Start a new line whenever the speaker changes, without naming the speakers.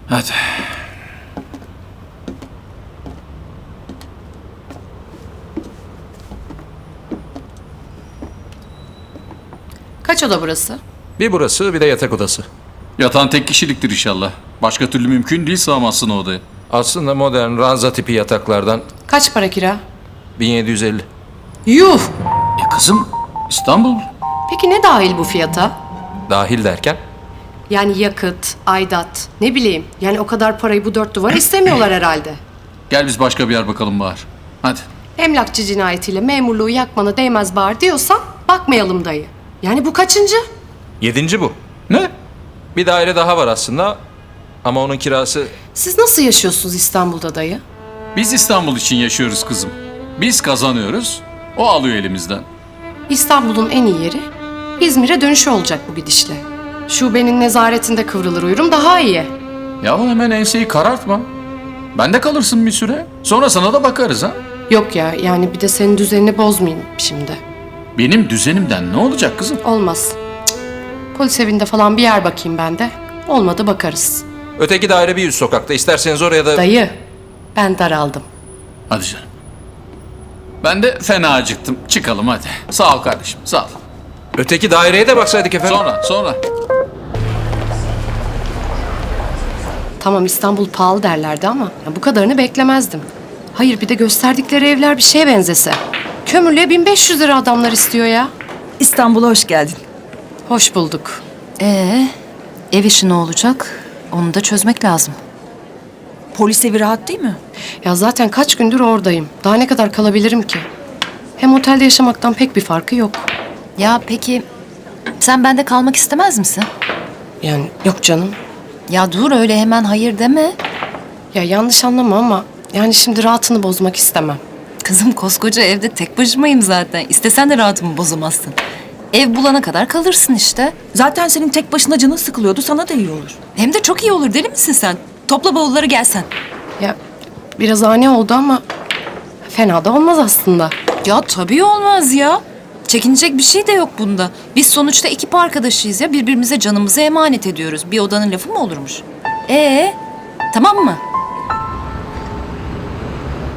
Hadi.
Kaç oda burası?
Bir burası, bir de yatak odası.
Yatağın tek kişiliktir inşallah. Başka türlü mümkün değil sığamazsın o odaya.
Aslında modern ranza tipi yataklardan
Kaç para kira?
1750.
Yuh!
Kızım, İstanbul.
Peki ne dahil bu fiyata?
Dahil derken?
Yani yakıt, aidat, ne bileyim. Yani o kadar parayı bu dört duvar istemiyorlar herhalde.
Gel biz başka bir yer bakalım Bahar. Hadi.
Emlakçı cinayetiyle memurluğu yakmana değmez bari diyorsan bakmayalım dayı. Yani bu kaçıncı?
7. bu.
Ne?
Bir daire daha var aslında. Ama onun kirası...
Siz nasıl yaşıyorsunuz İstanbul'da dayı?
Biz İstanbul için yaşıyoruz kızım. Biz kazanıyoruz, o alıyor elimizden.
İstanbul'un en iyi yeri İzmir'e dönüşü olacak bu gidişle. Şubenin nezaretinde kıvrılır uyurum daha iyi.
Yahu hemen enseyi karartma. Bende kalırsın bir süre. Sonra sana da bakarız ha.
Yok ya yani bir de senin düzenini bozmayayım şimdi.
Benim düzenimden ne olacak kızım?
Olmaz. Cık. Polis evinde falan bir yer bakayım ben de. Olmadı bakarız.
Öteki daire bir üst sokakta. İsterseniz oraya da...
Dayı ben daraldım.
Hadi canım. Ben de fena acıktım. Çıkalım hadi. Sağ ol kardeşim, sağ ol.
Öteki daireye de baksaydık efendim.
Sonra.
Tamam İstanbul pahalı derlerdi ama ya bu kadarını beklemezdim. Hayır bir de gösterdikleri evler bir şeye benzese. Kömürlüğe 1500 lira adamlar istiyor ya.
İstanbul'a hoş geldin.
Hoş bulduk.
Ev işi ne olacak? Onu da çözmek lazım.
Polis evi rahat değil mi?
Ya zaten kaç gündür oradayım. Daha ne kadar kalabilirim ki? Hem otelde yaşamaktan pek bir farkı yok.
Ya peki sen bende kalmak istemez misin?
Yani yok canım.
Ya dur öyle hemen hayır deme.
Ya yanlış anlama ama yani şimdi rahatını bozmak istemem.
Kızım koskoca evde tek başımayım zaten. İstesen de rahatımı bozamazsın. Ev bulana kadar kalırsın işte.
Zaten senin tek başına canın sıkılıyordu, sana da iyi olur.
Hem de çok iyi olur, deli misin sen? Topla bavulları gelsen.
Ya biraz ani oldu ama fena da olmaz aslında.
Ya tabii olmaz ya. Çekinecek bir şey de yok bunda. Biz sonuçta ekip arkadaşıyız ya. Birbirimize canımızı emanet ediyoruz. Bir odanın lafı mı olurmuş? Tamam mı?